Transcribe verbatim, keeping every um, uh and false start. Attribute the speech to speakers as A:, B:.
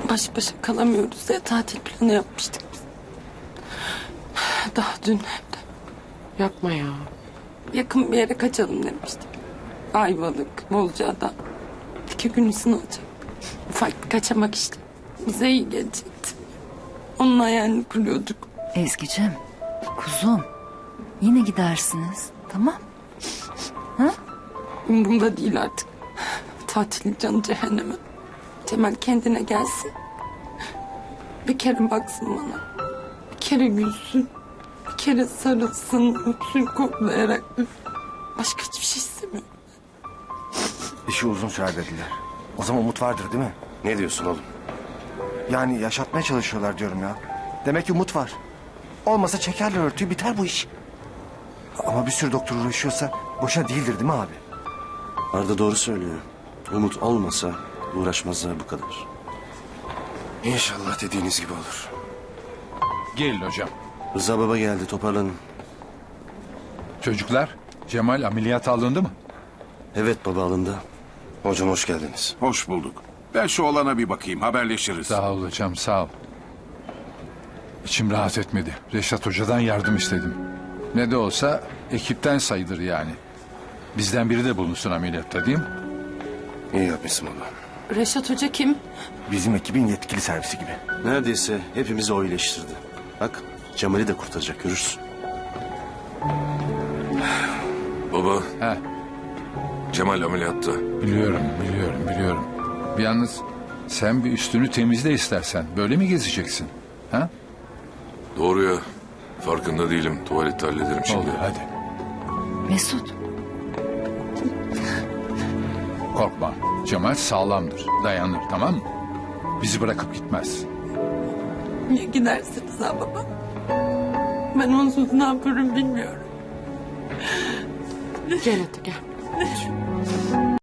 A: Baş başa kalamıyoruz diye tatil planı yapmıştık biz. Daha dün evde.
B: Yapma ya.
A: Yakın bir yere kaçalım demiştik. Ayvalık, Bozcaada. İki gün ısınacak. Ufak bir kaçamak işte. Bize iyi gelecekti. Onun hayalini kuruyorduk.
C: Ezgi'cim, kuzum. Yine gidersiniz, tamam?
A: Umurumda değil artık. Tatilin canı cehenneme. Cemal kendine gelsin. Bir kere baksın bana. Bir kere gülsün. Bir kere sarılsın, öpsün koklayarak. Başka hiçbir şey istemiyorum.
D: İşi uzun sürer dediler. O zaman umut vardır değil mi?
E: Ne diyorsun oğlum?
D: Yani yaşatmaya çalışıyorlar diyorum ya. Demek ki umut var. Olmasa çekerler örtüyü, biter bu iş. Ama bir sürü doktor uğraşıyorsa boşa değildir değil mi abi?
E: Arda doğru söylüyor. Umut olmasa uğraşmazlar bu kadar. İnşallah dediğiniz gibi olur.
F: Gelin hocam.
E: Rıza baba geldi, toparlanın.
F: Çocuklar, Cemal ameliyat alındı mı?
E: Evet baba, alındı. Hocam hoş geldiniz.
G: Hoş bulduk. Ben şu olana bir bakayım, haberleşiriz.
F: Sağ ol hocam, sağ ol. İçim rahat etmedi. Reşat Hoca'dan yardım istedim. Ne de olsa ekipten sayılır yani. Bizden biri de bulunsun ameliyatta değil mi?
E: İyi yapmışsın baba.
A: Reşat Hoca kim?
D: Bizim ekibin yetkili servisi gibi.
E: Neredeyse hepimizi o iyileştirdi. Bak, Cemal'i de kurtaracak, görürsün.
H: Baba,
F: He,
H: Cemal ameliyatta.
F: biliyorum, biliyorum, biliyorum. Yalnız sen bir üstünü temizle istersen. Böyle mi gezeceksin? Ha?
H: Doğru ya. Farkında değilim. Tuvalette hallederim şimdi.
F: Oldu, hadi.
C: Mesut,
F: Korkma. Cemal sağlamdır, dayanır, tamam mı? Bizi bırakıp gitmez.
A: Niye gidersiniz ha baba? Ben onsuz ne yaparım bilmiyorum.
B: Gel hadi gel.